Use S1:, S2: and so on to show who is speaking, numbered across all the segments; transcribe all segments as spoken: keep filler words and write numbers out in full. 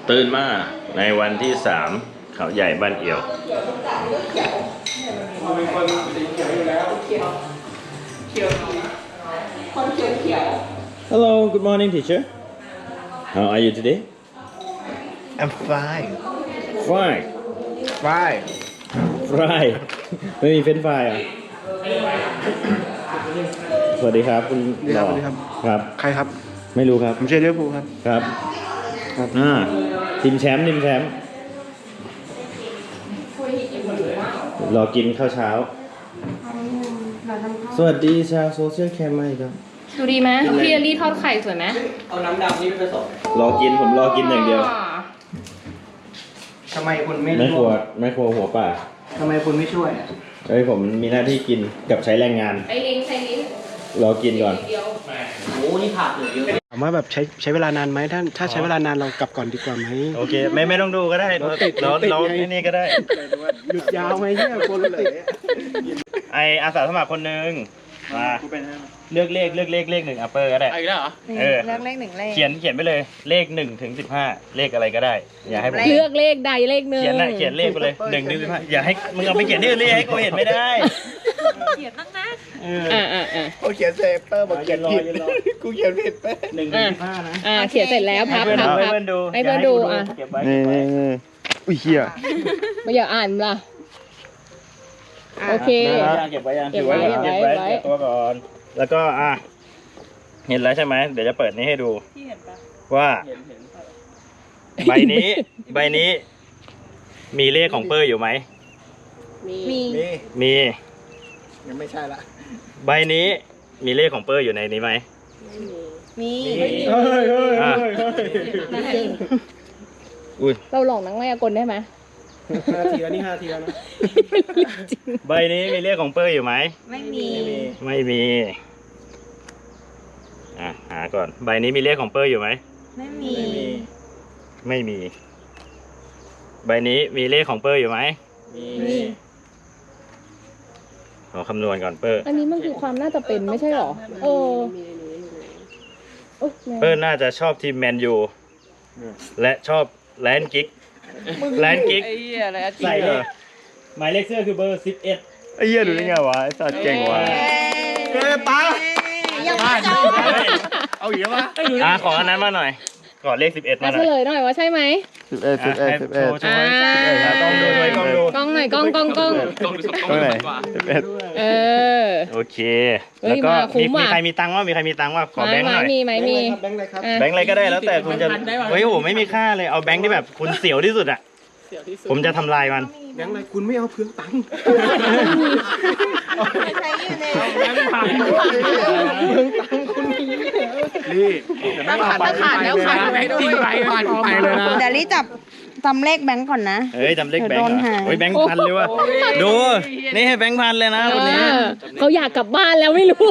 S1: ตื่นมาในวันที่สามเขาใหญ่บ้านเอี่ยวมีคนสีเขียวอยู่แล้วเขียวเขียวคนเขียวเขียว Hello, good morning, teacher. How are you today?
S2: I'm fine.
S1: Fine.
S2: Fine.
S1: Fry. ไม่มีเฟรนช์ฟรายอ่ะสวัสดีครับคุณหล่อครับ
S2: ใครครับ
S1: ไม่รู้ครับ
S2: ผมเชียร์ลิเวอร์พูลครับ
S1: ครับครับอ่าทีมแชมป์ทีมแชมป์รอกินข้าวเช้าสวัสดีชาวโซเชียลแคมป์มาอีกครับ
S3: ดูดีไหมพี่อลี่ทอดไข่สวยไหมเอาน้ำดำนี่ไปผสม
S1: รอกินผมรอกินอย่างเดียว
S2: ทำไมคุณไม่
S1: ไม่ครัวไม่ครัวหัวป่า
S2: ทำไมคุณไม่ช่วย
S1: เฮ้ยผมมีหน้าที่กินกับใช้แรงงาน
S3: ไอ้ลิ้นใช้ลิ้น
S1: รอกินก่อน
S4: โอ้นี่ผักเหลือเยอะ
S2: ถามว่าแบบใช้ใช้เวลานานไหมถ้าถ้าใช้เวลานานเรากลับก่อนดีกว่าไหม
S1: โอเคไม่ไม่ต้องดูก็ได้เราเราเรานี่ก็ได้
S2: หยุดยาวไหมเนี่ยคนติด
S1: ไออาสาสมัครคนหนึ่งมาเลือกเลขเลือกเลขเลขหนึ่งอัปเปอร์ก็ได้
S4: อีกแล้วเหรอ
S1: เออ
S5: เลือกเลขหนึ่งเลข
S1: เขียนเขียนไปเลยเลขหนึ่งถึงสิบห้าเลขอะไรก็ได้ อย่าให้ผม
S3: เลือกเลขใดเลขหนึ่ง
S1: เขียนนะเขียนเลขไปเลยหนึ่งถึงสิบห้าอย่าให้มึงเอาไปเขียนที่อื่นเลยให้กูเห็นไม่ได้
S5: เขียนตั้งนะ
S3: อ่าอ่าอ่า
S2: เขาเขียนเซฟเปอร์บอกเขียนผิดกูเขียนผิดไป
S1: หนึ่งถึงสิบห้านะ
S3: อ่าเขียนเสร็จแล้วพับ
S1: ให้
S3: พับ
S1: เพื่
S3: พับ
S1: อนดู
S3: ให้เพื่อนดูอ่ะ
S1: เก็บไว้
S2: นี่นี่นี่อุ้ยเฮีย
S3: ไม่อยากอ่านล่ะโอเค
S1: เก็บไว้ยัง
S3: เก็บไว้
S1: เก็บไว้
S3: เก็บไว้
S1: เก็บตัวก่อนแล้วก็อ่ะเห็นแล้วใช่ไหมเดี๋ยวจะเปิดนี้ให้ดูว่าใบนี้ใบนี้ มีเลขของเปอร์อยู่ไหม
S5: มี
S2: มี
S1: มี
S2: ยังไม่ใช่ละ
S1: ใบนี้มีเลขของเปอร์อยู่ในนี้ไหม
S5: มี
S2: เฮ้ยเฮ้ยเฮ้ย
S1: อ่ะอุ้ย
S3: เราหลอกนังไมายากลได้ไหม
S2: ห้าทีแล้วนี่ห้าทีแล้วนะ
S1: ใบนี้มีเลขของเปอร์อยู่ไหม
S5: ไม่มี
S1: ไม่มีอ่ะหาก่อนใบนี้มีเลขของเปอร์อยู่ไหม
S5: ไม่มี
S1: ไม่มี ใบนี้มีเลขของเปอร์อยู่ไหม
S5: มี
S1: ขอคำนวณก่อนเปอร์
S3: อันนี้มันคือความน่าจะเป็นไม่ใช่หรอเออโอ๊ยแม่
S1: เปอร์น่าจะชอบทีมแมนยูและชอบแลนด์กิกแลนด์กิก
S4: ไอ้เหี้ยอะไรอะ
S1: ใส่เลยหมายเลขเสื้อคือเบอร์สิบเอ็ด
S2: ไอ้เหี้ยดูได้ไงวะไอ้สัตว์เก่งวะ
S5: เฮ้ยตายังไม่จบ
S2: เอาอีกแล้ววะ
S1: อ่ะขออันนั้นมาหน่อยขอเลขสิบเอ็ด
S3: มา
S1: มาห
S3: เฉ
S1: น่อย
S3: ลยหน่อยว่าใช่ไหม
S2: สิบเอ็ดสิบเอ็ดสิบเอ็ด
S1: โชว์โชว์อ่ะกล้องดูด้วยกล้องดู
S3: กล้องหน่อยกล้องกล้องกล้อง
S4: ต้องดูสัก
S2: ตรงไหน
S4: กว่า
S2: สิบเอ็ด
S3: เออ
S1: โอเค
S3: เฮ้ย
S1: แล้วก็
S3: มาคุ้
S1: มี
S3: มว่ะ
S1: มีใครมีตังค์ว่ามีใครมีตังค์ว่าขอแบงค์หน่อย
S3: มีไหมมี
S2: แบงค์อะไรครับ
S3: อ่ะ
S1: แบงค์อะไรก็ได้แล้วแต่คุณจะเฮ้ยโหไม่มีค่าเลยเอาแบงค์ที่แบบคุณเสียวที่สุดอ่ะผมจะทำลายมัน
S2: แบงค์อะไรคุณไม่เอาเพื่องตังค์
S5: ใช้อยู่ใน
S2: เพื่องตังค์คุณมีนี่
S5: ต้องขาดต้องขาดแล้วขาด
S4: ไปไปไปเลยนะ
S5: เดี๋ยวรีจับจำเลขแบงก์ก่อนนะ
S1: เฮ้ยจำเลขแบงค์
S5: เดี๋ยวโดน
S1: เหรอ
S5: หา
S1: เฮ้ยแบงค์พันเลยว่ะดูนี่ให้แบงค์พันเลยนะคนนี้
S3: เออเขาอยากกลับบ้านแล้วไม่รู้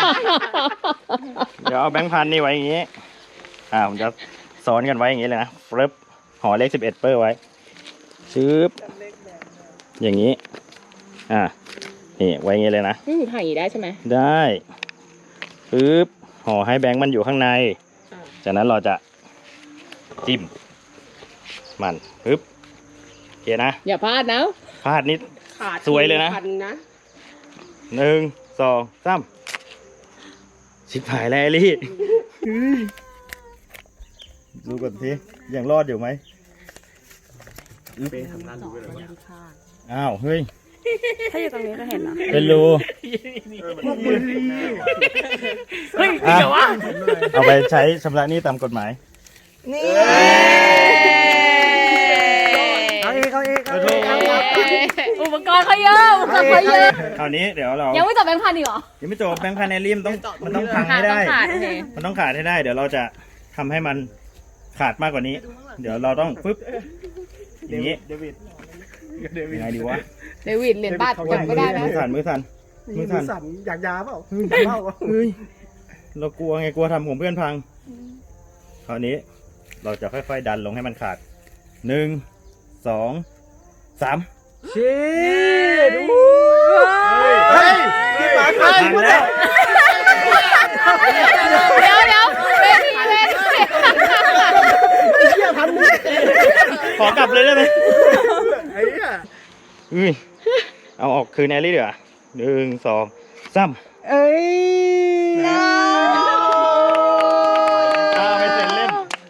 S1: เดี๋ยวเอาแบงค์พันนี่ไว้อย่างงี้อ่าผมจะซ้อนกันไว้อย่างงี้เลยนะฟลิปห่อเลขสิบเอ็ดเปอร์ไว้ชึบอย่างนี้อ่านี่ไว้อย่างงี้เลยนะ
S3: อืมถ่ายอย่างนี้ได้ใช่ไหม
S1: ได้ปึ๊บห่อให้แบงค์มันอยู่ข้างในจากนั้นเราจะจิ้มมันปึ๊บโอเคนะ
S3: อย่าพลาดนะ
S1: พลาดนิดสวยเลยนะหนึ่งสองสามชิบหายแล้วไอลี่ดูก่อนสิยังรอดอยู่ไหมอ้าวเฮ้ย
S5: ถ้าอยู่ตรงนี้ก็เห็นนะ
S1: เป็นรูเฮ้ยเอาไปใช้ชำระหนี้ตามกฎหมาย
S5: นี่
S2: เอาอีกเอาอีกเอาอีก
S3: อุปกรณ์เขาเยอะอุปกรณ์เขาเยอะ
S1: คราวนี้เดี๋ยวเรา
S3: ยังไม่จับแบงค์พันอีกเหรอ
S1: ยังไม่จบแบงค์พันในริมต้องมันต้องพังให้ได้
S3: ต้องขาดโอเค
S1: มันต้องขาดให้ได้ เดี๋ยวเราจะทำให้มันขาดมากกว่านี้ เดี๋ยวเราต้องปึ๊บอย่างนี้
S2: เดวิดเดวิด
S1: ยังไงดีวะ
S3: เดวิดเหรียญบาทจับไม่ได้นะ
S1: มือสั่นมือสั่นมือสั่น
S2: สั่นอยากยาเปล่าอยากเล่าเปล่า
S1: เฮ้ยเรากลัวไงกลัวทำของเพื่อนพังคราวนี้เราจะค่อยๆดันลงให้มันขาดหนึ่งสองสาม
S2: เชี่ยดูเฮ้ยพี่ปากใคร
S1: พังแล้ว
S3: เดี๋ยวเดี๋ยวเวทีเวที
S2: เชี่ยพันมือ
S1: อกลับเลยได้ไหม
S2: ไอ้เหี้ย
S1: อุ้ยเอาออกคืนแอลลี่เดี๋ยวาหนึ่งสองสาม
S5: เอ้ย
S1: เอาไปเซ็นเล่น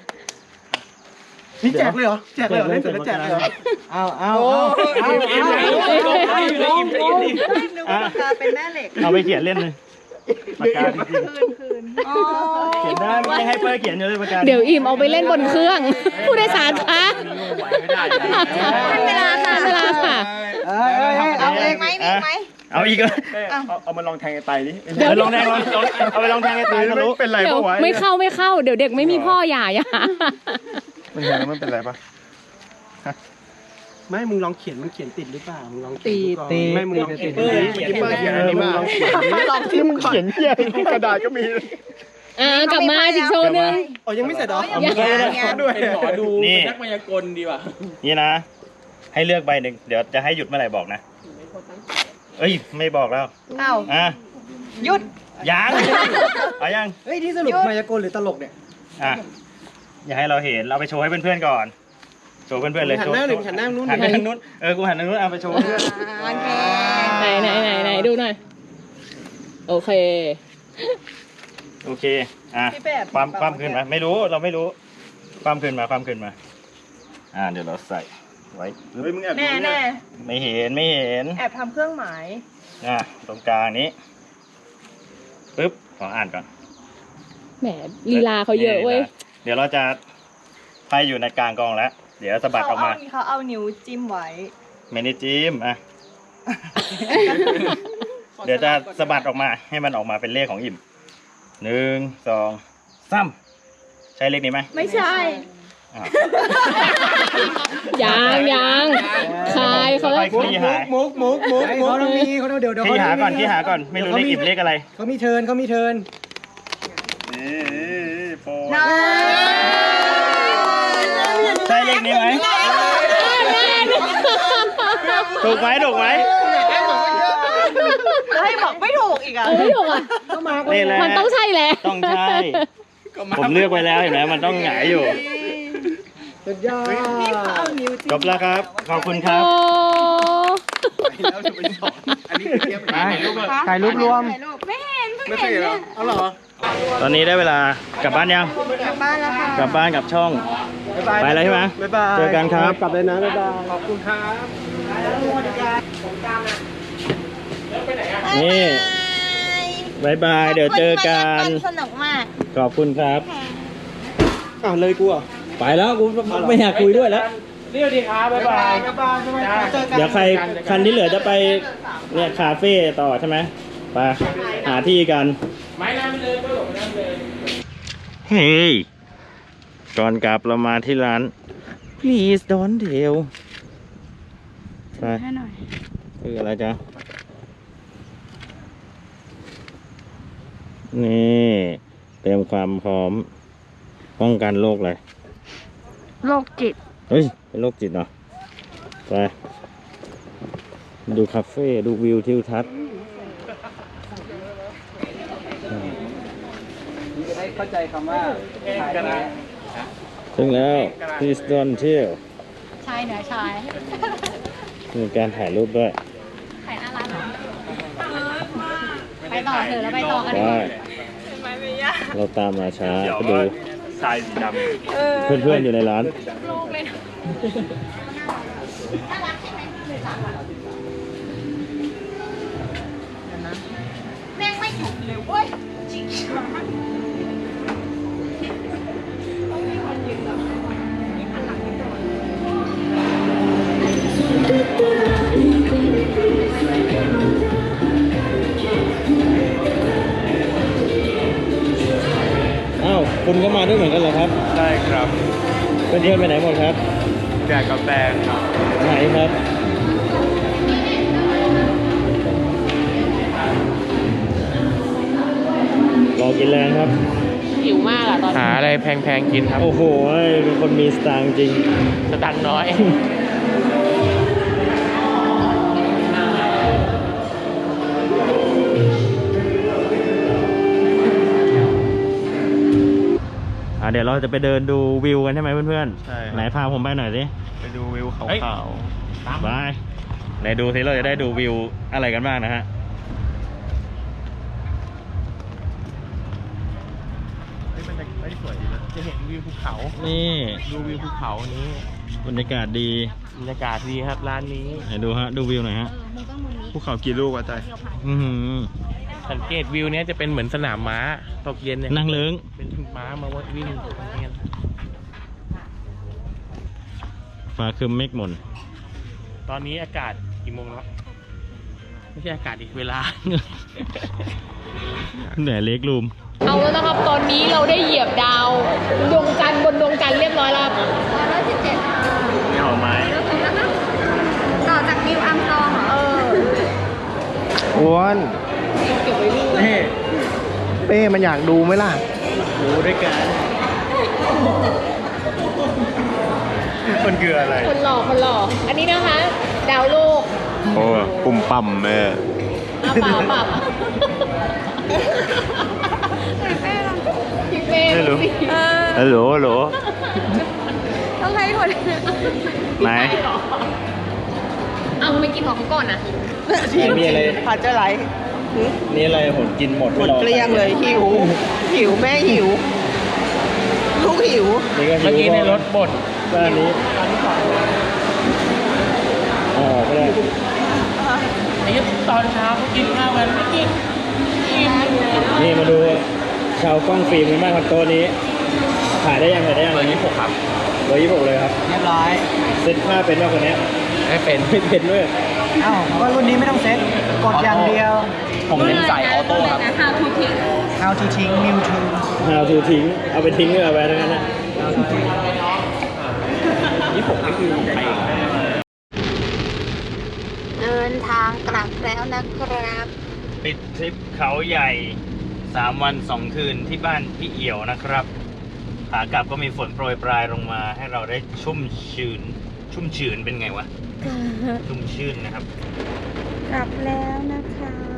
S2: นี่แจกเลยเหรอแจกเลยเหรอเล่นเสร็จแล้วแจกเลยเหรอ
S5: เอาเอา
S2: โอ้
S5: เอา
S2: ย
S5: เอาเอา
S2: อิ่มเลยอิ่มเลยอิ่มเลยอิ่มเลย
S5: นึกว่าปากกาเป็นแม่เหล็ก
S1: เอาไปเขียนเล่นเลยปากกาจริง
S5: อ๋อ
S1: ๆเขียนได้ไม่ให้เปิ้ลเขียนอยู่เลยปากกา
S3: เดี๋ยวอิ่มเอาไปเล่นบนเครื่อง ผู้โดยสารคะ
S1: ไม่ได้
S5: ทันเวลาค่ะ
S3: เวลาค่ะ
S2: เอ้ยเอ้ยเอ้ย
S5: เอาเองไหมมีไหม
S1: เอาอีกเหรอ
S2: เอาเอามาลองแทงไอ้ไตดิ
S1: เดี๋ยวลองแทงลองลองเอาไปลองแทงให้ตายทะลุ
S2: เป็นไร
S3: เดี๋ยว
S2: ปะวะ
S3: ไม่เข้าไม่เข้า เดี๋ยวเด็กไม่มีพ่ออย่าอย่า
S2: มันแทงแล้วมันเป็นไรปะไม่มึงลองเขียนมันเขียนติดหรือเปล่ามึงลองตีตีไม่มึงลองเขียนดิเขียนเขียนอันนี้มาลองที่มึงเขียนเขียนกระดาษก็มี
S3: อ่ากลับมาอีกโชว์หนึง
S2: อ๋อยังไม่เสร็จเหรอ
S3: ยัง
S2: ด้วย
S4: เป็นหมอดู
S1: นี่
S4: เป็นนักมายากลดีว่ะ
S1: นี่นะ ให้เลือกใบหนึ่งเดี๋ยวจะให้หยุดเมื่อไหร่บอกนะ เอ้ยไม่บอกแล้ว
S5: เอ้า
S1: อ่ะ
S5: หยุด
S1: ยังเอายัง
S2: เฮ้ยที่สรุปมายากลหรือตลกเนี่ย
S1: อ่ะอย่าให้เราเห็นเราไปโชว์ให้เพื่อนๆก่อนโชว์เพื่อนๆเลย
S2: หันหน้าหนึ่งหันหน้านู้น
S1: หันไปทางนู้นเออกูหันทางนู้นเอาไปโชว์เพื่อน
S5: โอเค
S3: ไหนไหนไหนไหนดูหน่อย โอเค
S1: โอเคอ่ะ
S5: พี่แป๊บ
S1: ความความขึ้นมาไม่รู้เราไม่รู้ความขึ้นมาความขึ้นมา อ่าเดี๋ยวเราใส่ไว้ปึ๊บ
S2: เฮ้ยมึงแอบ
S5: แน่แน่
S1: ไม่เห็นไม่เห็น
S5: แอบทำเครื่องหมาย
S1: อ่ะตรงกลางนี้ปึ๊บขออ่านก่อน
S3: แหมลีลาเขาเยอะเว้ย
S1: เดี๋ยวเราจะไปอยู่ในกลางกองแล้ว เดี๋ยวสะบัดออกมา
S5: เขาเอานิ้วจิ้มไว้
S1: ไม่ได้จิ้มอ่ะ เดี๋ยวจะสะบัดออกมาให้มันออกมาเป็นเลขของอิ่มหนึ่งสองสามใช่เลขนี้ไหม
S5: ไม่ใช่
S1: อ่ะ
S3: ยังยังคายเขาแล้ว
S1: ค่อยๆขี้หาย
S2: มุกมุกมุกมุกเขาต้องมีเขาต้องเดี๋ยวเดี๋ยว
S1: ขี้หาก่อนขี้หาก่อนไม่รู้เลขอิ่มเลขอะไร
S2: เขามีเทิร์นเขามีเทิร์น
S1: นี่โปร
S5: น้อย
S1: ใช่เลขนี้ไหมถูกไหมถูกไหม
S5: ให้บอกไม่ถูกอีกอ่ะ
S3: เออไม่ถูกอ่ะ
S1: นี่แหละ
S3: มันต้องใช่แหละ
S1: ต้องใช่ ผมเลือกไว้แล้วเห็นไหมมันต้องหงายอยู่
S2: สุดยอด
S5: เอานิ้วจิ้ม
S1: จบแล้วครับ ขอบคุณครับ
S3: โอ้
S2: ถ่ายรูปรวม
S5: ถ่ายรูปไม่เห็น
S2: ไม่เคยเหรอเอาเหรอ
S1: ตอนนี้ได้เวลากลับบ้านยัง
S5: กลับบ้านแล้วค่ะ
S1: กลับบ้านกับช่อง
S2: บ๊ายบาย
S1: ไปแล้วใช่ไหม
S2: บ๊ายบาย
S1: เจอกันครับ
S2: กลับเลยนะบ๊ายบายขอบคุณครับ
S1: นี่บายบาย เดี๋ยวเจอกัน
S5: สนุกมาก
S1: ขอบคุณครับ
S2: อ้าวเลยกูอ่ะ
S1: ไปแล้วกูไม่อยากคุยด้วยแล้ว
S4: เรียวดีครับบ๊ายบาย
S2: บ๊ายบายบ๊ายบายเจอกัน
S1: เดี๋ยวใครคันที่เหลือจะไปเนี่ยคาเฟ่ต่อใช่ไหมไปหาที่กัน
S4: ไม้น้ำไปเลยก็หลงน้ำเลย
S1: เฮ้ยก่อนกลับเรามาที่ร้าน please don't tell ไปให้หน่อยคืออะไรจ๊ะ นี่เตรียมความพร้อม ป้องกันโรคอะไร
S5: โรคจิต
S1: เฮ้ย เป็นโรคจิตเหรอ ไป ดูคาเฟ่ ดูวิวทิวทัศน์
S2: จะได้เข้าใจคำว่าถ่ายนะ
S1: ถึงแล้ว please don't tell
S3: ชายเหนือชาย
S1: มีการถ่ายรูปด้วย
S3: ถ่ายหน้าร้านเหรอไปต่อเถอะแล้วไปต่อกัน
S1: ได้ เราตามมาช้าก็ดู
S2: ทรายสีดำ
S1: เพื่อนๆอยู่ในร้าน
S5: แม่งไม่หยุดเลยเว้ย
S1: อ้าว คุณก็มาด้วยเหมือนกันเหรอครับ
S2: ได้ครับ
S1: เพื่อนๆไปไหนหมดครับ
S2: แจกกาแฟครับ
S1: ไหนครับ รอกินแรงครับ
S3: หิวมากอ่ะตอนนี้
S4: หาอะไรแพงๆกินครับ
S1: โอ้โหเป็นคนมีสตางค์จริง
S4: สตังค์น้อย
S1: ออ่าเดี๋ยวเราจะไปเดินดูวิวกันใช่ไหมเพื่อน
S2: ใช่
S1: ๆไหนพาผมไปหน่อยสิ
S2: ไปดูวิวเขา
S4: เฮ้ย
S2: ขาว
S1: ไปไหนดูสิเราจะได้ดูวิวอะไรกันบ้างนะฮะ
S2: เฮ้ยมันจะเฮ้ยสวยดีนะ
S4: จะเห็นวิวภูเขา
S1: นี่
S4: ดูวิวภูเขานี้
S1: บรรยากาศดี
S4: บรรยากาศดีครับร้านนี้
S1: ไหนดูฮะดูวิวหน่อยฮะ
S2: ภูเขากี่ลูกวะใจ
S1: อือหือ
S4: สังเกตวิวเนี้ยจะเป็นเหมือนสนามม้าตกเย็นเนี่ย
S1: นั่งเลิ้ง
S4: เป็นม้ามาวิ่งกัน
S1: ฟ้าคืมเมฆหม่น
S4: ตอนนี้อากาศกี่โมงแล้วไม่ใช่อากาศอีกเวลา
S1: เหนื่อยเล็กรูม
S3: เอาแล้วนะครับ ตอนนี้เราได้เหยียบดาวดวงจันทร์บนดวงจันทร์เรียบร้อยแล้วครับ
S5: ร้อยสิบเจ็ด
S1: มีหอมไม้
S5: ต่อจากนิวอัมสตรองเหรอ
S3: เออ
S2: อ้วน
S3: เก็บไว้ดู
S2: เป้เป้มันอยากดูไหมล่ะ
S1: ดูด้วยกันมันคืออะไร
S3: คนหล่อคนหล่ออันนี้นะคะ ดาวโลก
S2: โอ้ปุ่มปั่มแม่
S3: อาปากปากพี่เป้
S1: ไม่รู้
S3: สิ
S5: เออ
S1: ฮัลโหลฮัลโหล
S5: ต้องให้คน
S1: ไหน
S3: เอาไม่กินของเขาก่อนนะ
S1: มีอะไร
S6: ผัดจะไหล
S1: นี่อะไรผมกินหมด
S6: หมดเกลี้ยงเลยหิว หิวแม่หิว ลูกหิว
S1: นี่ก็
S4: เมื่อกี้ในรถบด
S1: บ้านนี้อ๋อก็ได้
S4: ไอ้ตอนเช้าเขากินข้าวกันไม่กินอิ่ม
S1: นี่มาดูชาวกล้องฟิล์มกันบ้างครับโต๊ะนี้ถ่ายได้ยังถ่ายได้ยัง
S4: เบอร์ยี่สิบหกครับ
S1: ร้อยยี่สิบหกเลยครับ
S6: เรียบร้อย
S1: เซ็ตผ้าเป็นว่าคนเนี้ย
S4: ไม่เป็น
S1: ไม่เป็นด้วย
S6: อ้าวก็รุ่นนี้ไม่ต้องเซ็ต กดอย่างเดียว
S4: ผมเน้นใส่ออโต้ครับ
S3: How to take
S6: How to ทิ้ง New to
S1: How to ทิ้งเอาไปทิ้งเลยเอาไปทั้งนั้นนะ
S4: ยี่สิบหกนี่คือไทย
S5: เดินทางกลับแล้วนะครับ
S1: ปิดทริปเขาใหญ่สามวันสองคืนที่บ้านพี่เอี่ยวนะครับขากลับก็มีฝนโปรยปลายลงมาให้เราได้ชุ่มชื้น ชุ่มชื้นเป็นไงวะ ชุ่มชื้นนะครับ
S5: กลับแล้วนะคะ